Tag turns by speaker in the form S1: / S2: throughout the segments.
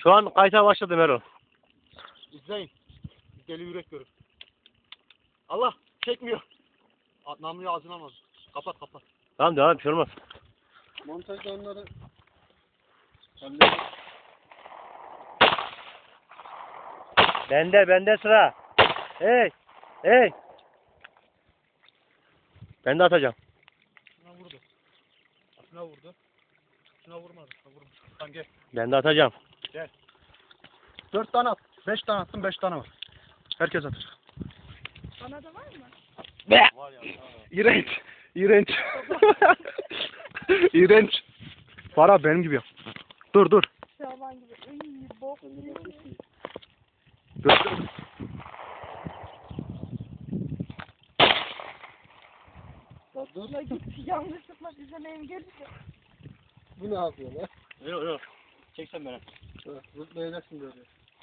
S1: Şu an kayıta başladım Erol.
S2: İzleyin. Deli yürek görür. Allah çekmiyor. Namluyu ağzına almaz. Kapat.
S1: Tamam devam, bir şey olmaz.
S2: Montajda onları
S1: Bende sıra. Hey. Ben de atacağım.
S2: şuna vurdu. Şuna vurdu. Şuna vurmadı. Şuna vurmuş. Tamam gel.
S1: Ben de atacağım.
S2: 4 tane at. 5 tane attım, 5 tane var. Herkes atır.
S3: Bana da var mı?
S2: Var ya. İğrenç. İğrenç. Para benim gibi yap. Dur.
S3: Şaban gibi. Iy, bok.
S2: Dur.
S3: Dur. Git yanlışlıkla bize engel.
S2: Bu ne yapıyor lan?
S1: Yok. Çeksen beni.
S2: Zıplayacaksın böyle.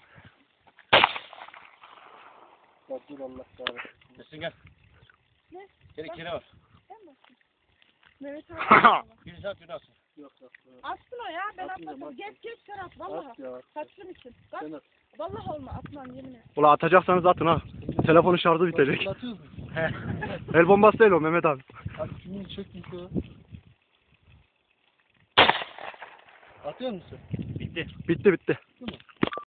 S2: Bak dur Allah kahretsin.
S1: Nesin gel.
S3: Ne?
S1: Kere var.
S3: Sen misin? Mehmet abi.
S1: Birisi at, birisi atsın.
S2: Yok.
S3: Atsın o ya. Ben
S2: Atmayacağım,
S3: atmasam. Geç sen at. Vallahi.
S2: At ya.
S3: Kaçtığın için. Bak.
S2: Sen at.
S3: Vallahi olma. Atmam yemin et.
S2: Ulan atacaksanız atın ha. Telefonun şarjı bitecek.
S4: Atıyoruz mu?
S2: El bombası değil o Mehmet abi.
S4: Hadi kimin çekmiş o? Atıyor musun?
S1: Bitti.
S2: Bitti.